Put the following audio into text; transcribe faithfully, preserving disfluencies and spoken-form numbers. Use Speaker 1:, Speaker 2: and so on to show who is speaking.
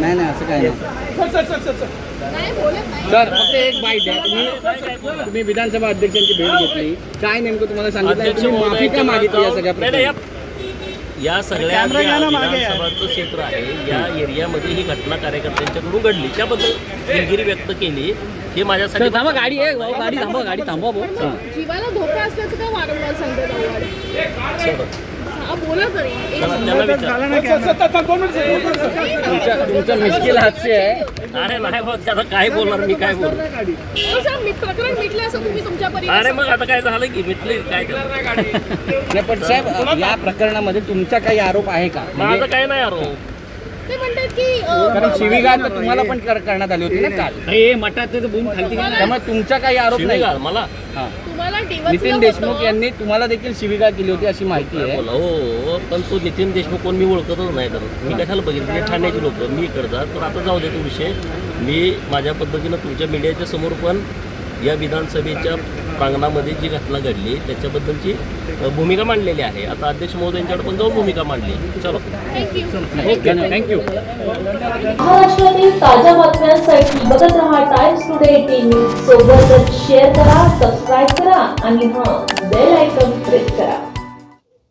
Speaker 1: नाही नाही असं काय नाही सर फक्त एक बाईट द्या. तुम्ही तुम्ही विधानसभा अध्यक्षांची भेट घेतली, काय नेमकं तुम्हाला सांगितलं, तुम्ही माफी का मागितली या सगळ्या प्रकारे?
Speaker 2: या सगळ्या विधानसभाचं क्षेत्र आहे, या एरियामध्ये ही घटना कार्यकर्त्यांच्याकडून घडली, त्याबद्दल दिलगिरी व्यक्त केली. हे माझ्यासाठी
Speaker 1: थांबा, गाडी आहे भाऊ, गाडी थांबवा, गाडी थांबवा भाऊ.
Speaker 3: जीवाला धोका असल्याचं काय वारंवार सांगतात? बोला तरी
Speaker 1: तुमचं मिश्किल हास्य आहे.
Speaker 2: अरे नाही भाऊ, आता काय बोलणार मी, काय बोलणार?
Speaker 3: प्रकरण मिटलं असं तुम्ही तुमच्या
Speaker 2: अरे मग आता काय झालं की मिटले काय
Speaker 1: नाही पण साहेब या प्रकरणामध्ये तुमचा काही आरोप आहे का?
Speaker 2: माझं काय नाही आरोप.
Speaker 3: ते म्हणतात की
Speaker 1: कारण शिवीगाळ तर तुम्हाला पण कर- करण्यात आली होती ना काल. हे मठात बूम खालती गेली, त्यामुळे तुमचा काही आरोप नाही
Speaker 2: शिवीगाळ मला
Speaker 1: हां.
Speaker 3: तुम्हाला
Speaker 1: नितीन देशमुख यांनी तुम्हाला देखील शिवीगाळ केली होती अशी माहिती आहे.
Speaker 2: बोला हो, पण तो नितीन देशमुख कोण मी ओळखतच नाही. तर मी कशाला बघितलं, ठाण्याची लोक मी इकडचा, तर आता जाऊ दे तो विषय. मी माझ्या पद्धतीनं तुमच्या मीडियाच्या समोर पण या विधानसभेच्या प्रांगणामध्ये जी घटना घडली त्याच्याबद्दलची भूमिका मांडलेली आहे. आता अध्यक्ष महोदयांच्याकडे पण जाऊन भूमिका मांडली. चलो
Speaker 1: थँक्यू.
Speaker 4: महाराष्ट्रातील ताज्या बातम्यांसाठी बघत रहा टाइम्स टुडे एटीन न्यूज. सोबतच शेअर करा, सबस्क्राईब करा आणि हां बेल आयकॉन प्रेस करा.